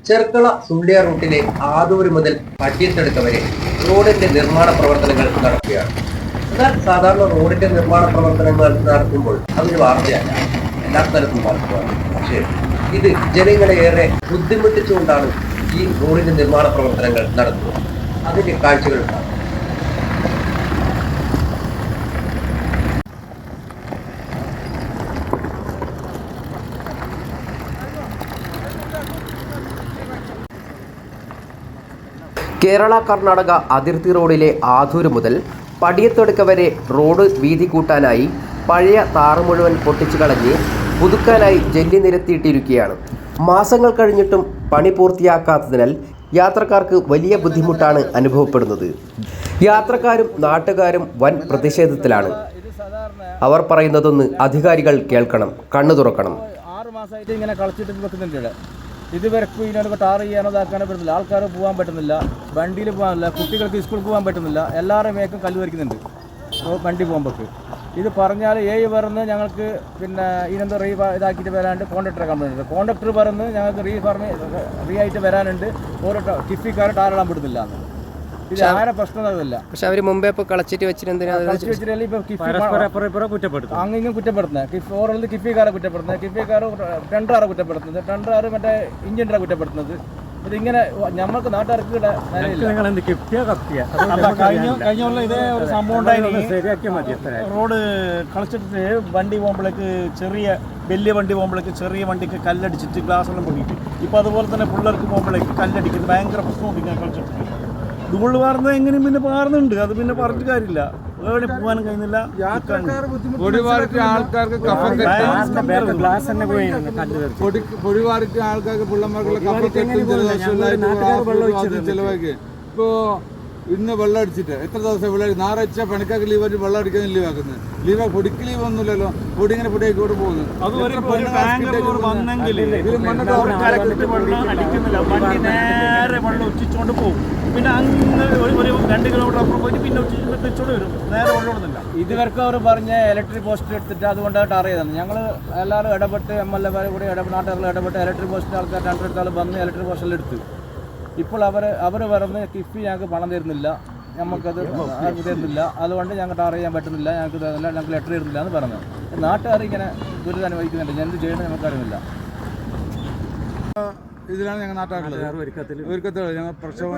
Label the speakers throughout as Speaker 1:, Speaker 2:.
Speaker 1: ചെർക്കള സുള്ളിയ റൂട്ടിലെ ആദൂര് മുതൽ പട്ടിയത്തെടുക്ക വരെ റോഡിന്റെ നിർമ്മാണ പ്രവർത്തനങ്ങൾ നടക്കുകയാണ്. എന്നാൽ സാധാരണ റോഡിന്റെ നിർമ്മാണ പ്രവർത്തനങ്ങൾ നടത്തുമ്പോൾ അതൊരു വാർത്തയല്ല, എല്ലാ സ്ഥലത്തും നടത്തുകയാണ്. പക്ഷേ ഇത് ജനങ്ങളെ ഏറെ ബുദ്ധിമുട്ടിച്ചുകൊണ്ടാണ് ഈ റോഡിന്റെ നിർമ്മാണ പ്രവർത്തനങ്ങൾ നടത്തുന്നത്. അതിന്റെ കാഴ്ചകൾ ഉണ്ടാകും. കേരള കർണാടക അതിർത്തി റോഡിലെ ആദൂര് മുതൽ പടിയത്തൊടുക്ക വരെ റോഡ് വീതി കൂട്ടാനായി പഴയ താറ് മുഴുവൻ പൊട്ടിച്ചു കളഞ്ഞ് പുതുക്കാനായി ജല്ലി നിരത്തിയിട്ടിരിക്കുകയാണ്. മാസങ്ങൾ കഴിഞ്ഞിട്ടും പണി പൂർത്തിയാക്കാത്തതിനാൽ യാത്രക്കാർക്ക് വലിയ ബുദ്ധിമുട്ടാണ് അനുഭവപ്പെടുന്നത്. യാത്രക്കാരും നാട്ടുകാരും വൻ പ്രതിഷേധത്തിലാണ്. അവർ പറയുന്നതൊന്ന് അധികാരികൾ കേൾക്കണം, കണ്ണു തുറക്കണം.
Speaker 2: 6 മാസമായിട്ട് ഇങ്ങനെ കളിച്ചിട്ട് വെക്കുന്നുണ്ട്. ഇതുവരെക്കും ഇതിനൊക്കെ ടാർ ചെയ്യാനോ ഇതാക്കാനോ പറ്റുന്നില്ല. ആൾക്കാർ പോകാൻ പറ്റുന്നില്ല, വണ്ടിയിൽ പോകാനില്ല, കുട്ടികൾക്ക് സ്കൂളിൽ പോകാൻ പറ്റുന്നില്ല. എല്ലാവരുടെയും മേക്കും കല്ല് വരയ്ക്കുന്നുണ്ട് വണ്ടി പോകുമ്പോൾ. ഇത് പറഞ്ഞാൽ പറഞ്ഞ് ഞങ്ങൾക്ക് പിന്നെ ഇതിനെന്തോ ഇതാക്കിയിട്ട് വരാണ്ട് കോൺട്രാക്ടറെ കംപ്ലൈൻറ്റ് ഉണ്ട്. കോൺട്രാക്ടർ പറഞ്ഞ് ഞങ്ങൾക്ക് റീ ആയിട്ട് വരാനുണ്ട്, ഓരോ കിഫിക്കാർ ടാറിടാൻ പറ്റുന്നില്ല. ഇത് ആരെ പ്രശ്നമൊന്നുമില്ല.
Speaker 3: പക്ഷെ അവർ മുമ്പേ ഇപ്പോൾ കളച്ചിട്ട്
Speaker 2: അങ്ങനെ കുറ്റപ്പെടുത്തുന്നത് ഓരോന്ന് കിഫിക്കാരെ കുറ്റപ്പെടുത്തുന്നത്, കിഫിക്കാർ ടെൻഡറാരെ കുറ്റപ്പെടുത്തുന്നത്, ടെൻഡറാർ മറ്റേ എഞ്ചിനീയറെ കുറ്റപ്പെടുത്തുന്നത്. ഇതിങ്ങനെ നമ്മൾക്ക് നാട്ടുകാർക്ക് കഴിഞ്ഞ ഇതേ ഒരു സംഭവം റോഡ് കളിച്ചിട്ട് വണ്ടി പോകുമ്പോഴേക്ക് വലിയ വണ്ടി പോകുമ്പോഴേക്ക് ചെറിയ വണ്ടിക്ക് കല്ലടിച്ചിട്ട് ഗ്ലാസ് എല്ലാം പൊങ്ങിയിട്ട് ഇപ്പം അതുപോലെ തന്നെ പിള്ളേർക്ക് പോകുമ്പോഴേക്ക് കല്ലടിക്കുന്നത് ഭയങ്കര പ്രശ്നമൊക്കെ ഇങ്ങനെ കളിച്ചിട്ട് ഇതുകൊണ്ട് പാർന്നത് എങ്ങനെയും പിന്നെ പാർന്നുണ്ട്. അത് പിന്നെ പറഞ്ഞിട്ട് കാര്യമില്ല, എവിടെ പോകാനും കഴിയുന്നില്ല.
Speaker 4: പൊടിവാറിട്ട് ആൾക്കാർക്ക് പൊടിവാറിട്ട് ആൾക്കാർക്ക് പിള്ളമാർക്കുള്ള കഫക്കെട്ടും ചെലവാക്കി ഇപ്പോ ഇന്ന് വെള്ളം അടിച്ചിട്ട് എത്ര ദിവസം വെള്ളം ഞായറാഴ്ച പണിക്കാർക്ക് ലീവായിട്ട് വെള്ളം അടിക്കാൻ ലീവാക്കുന്നത്. ലീവ് പൊടിക്ക് ലീവ് ഒന്നുമില്ലല്ലോ, പൊടി ഇങ്ങനെ പൊടിയായിക്കോട്ട് പോകുന്നു.
Speaker 2: ഉച്ചിച്ചോണ്ട് പോകും, പിന്നെ അങ്ങനെ ഒരു 2 കിലോമീറ്റർ അപ്പുറം പോയിട്ട് പിന്നെ ഉച്ചിച്ചോണ്ട് വരും, നേരെ വെള്ളമൊന്നുമില്ല. ഇതുവരെക്കും അവർ പറഞ്ഞ ഇലക്ട്രിക് പോസ്റ്റ് എടുത്തിട്ട് അതുകൊണ്ടാണ് ടാർ ചെയ്തത്. ഞങ്ങൾ എല്ലാവരും ഇടപെട്ട് MLA കൂടി നാട്ടുകാരിൽ ഇടപെട്ട് ഇലക്ട്രിക് പോസ്റ്റിൻ്റെ ആൾക്കാർ 2 വന്ന് ഇലക്ട്രിക് പോസ്റ്റിൽ എടുത്ത്. ഇപ്പോൾ അവർ പറഞ്ഞ് കിഫി ഞങ്ങൾക്ക് പണം തരുന്നില്ല, നമുക്കത് തരുന്നില്ല, അതുകൊണ്ട് ഞങ്ങൾക്ക് ടാർ ചെയ്യാൻ പറ്റുന്നില്ല, ഞങ്ങൾക്ക് തരുന്നില്ല, ഞങ്ങൾക്ക് ലെറ്റർ തരുന്നില്ല എന്ന് പറഞ്ഞു. നാട്ടുകാർ ഇങ്ങനെ ദുരിതം അനുഭവിക്കുന്നുണ്ട്. എന്ത് ചെയ്യണമെന്ന് നമുക്കറിയില്ല.
Speaker 4: ഇതിലാണ് ഞങ്ങൾ നാട്ടുകാരുള്ളത്. ഒരുക്കത്തിൽ ഞങ്ങൾ പ്രക്ഷോഭം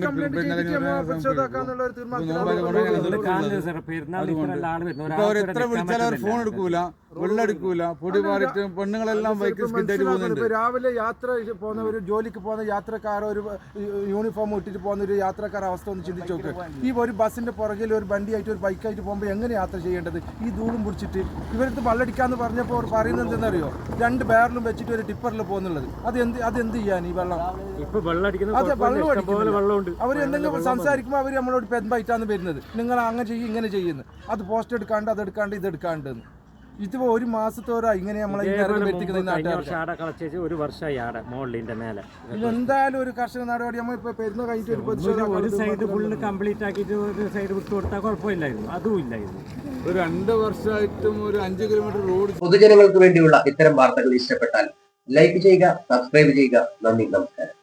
Speaker 4: എത്ര വിളിച്ചാലും അവർ ഫോൺ എടുക്കൂല, വെള്ളം എടുക്കൂല, പൊടി മാറിയിട്ട് പെണ്ണുങ്ങളെല്ലാം ബൈക്ക് സ്കിഡായിട്ട് പോകുന്നുണ്ട്.
Speaker 5: രാവിലെ യാത്ര പോകുന്ന ഒരു ജോലിക്ക് പോകുന്ന യാത്രക്കാർ, ഒരു യൂണിഫോം ഇട്ടിട്ട് പോകുന്ന ഒരു യാത്രക്കാർ അവസ്ഥ ഒന്ന് ചിന്തിച്ച് നോക്ക്. ഈ ഒരു ബസ്സിന്റെ പുറകിൽ ഒരു വണ്ടിയായിട്ട് ഒരു ബൈക്കായിട്ട് പോകുമ്പോൾ എങ്ങനെ യാത്ര ചെയ്യേണ്ടത്? ഈ ധൂളും പിടിച്ചിട്ട് ഇവരടുത്ത് വെള്ളടിക്കാന്ന് പറഞ്ഞപ്പോൾ അവർ പറയുന്നത് എന്തെന്നറിയോ? 2 ബാരലും വെച്ചിട്ട് ഒരു ടിപ്പറിൽ പോകുന്നുള്ളത്. അതെന്ത് ചെയ്യാൻ ഈ വെള്ളം? അതെ, വെള്ളം അവർ എന്തെങ്കിലും സംസാരിക്കുമ്പോൾ അവർ നമ്മളോട് പെൻബൈറ്റാന്ന് വരുന്നത്. നിങ്ങൾ അങ്ങനെ ചെയ്യും, ഇങ്ങനെ ചെയ്യുന്നു, അത് പോസ്റ്റ് എടുക്കാണ്ട്, അതെടുക്കാണ്ട്, ഇതെടുക്കാണ്ട്. ഇതിപ്പോ 1 മാസത്തോടെ ഇങ്ങനെ നമ്മളെ എന്തായാലും ഒരു കർഷക നടപടി നമ്മൾ ഇപ്പൊ പെരുന്ന കഴിഞ്ഞിട്ട്
Speaker 2: ഒരു സൈഡ് ഫുള്ള് കംപ്ലീറ്റ് ആക്കിയിട്ട് ഒരു സൈഡ് വിട്ടു കൊടുത്താൽ കുഴപ്പമില്ലായിരുന്നു. അതും ഇല്ലായിരുന്നു.
Speaker 4: ഒരു 2 വർഷമായിട്ടും ഒരു 5 കിലോമീറ്റർ റോഡ്.
Speaker 1: പൊതുജനങ്ങൾക്ക് വേണ്ടിയുള്ള ഇത്തരം വാർത്തകൾ ഇഷ്ടപ്പെട്ടാൽ ലൈക്ക് ചെയ്യുക, സബ്സ്ക്രൈബ് ചെയ്യുക. നന്ദി, നമസ്കാരം.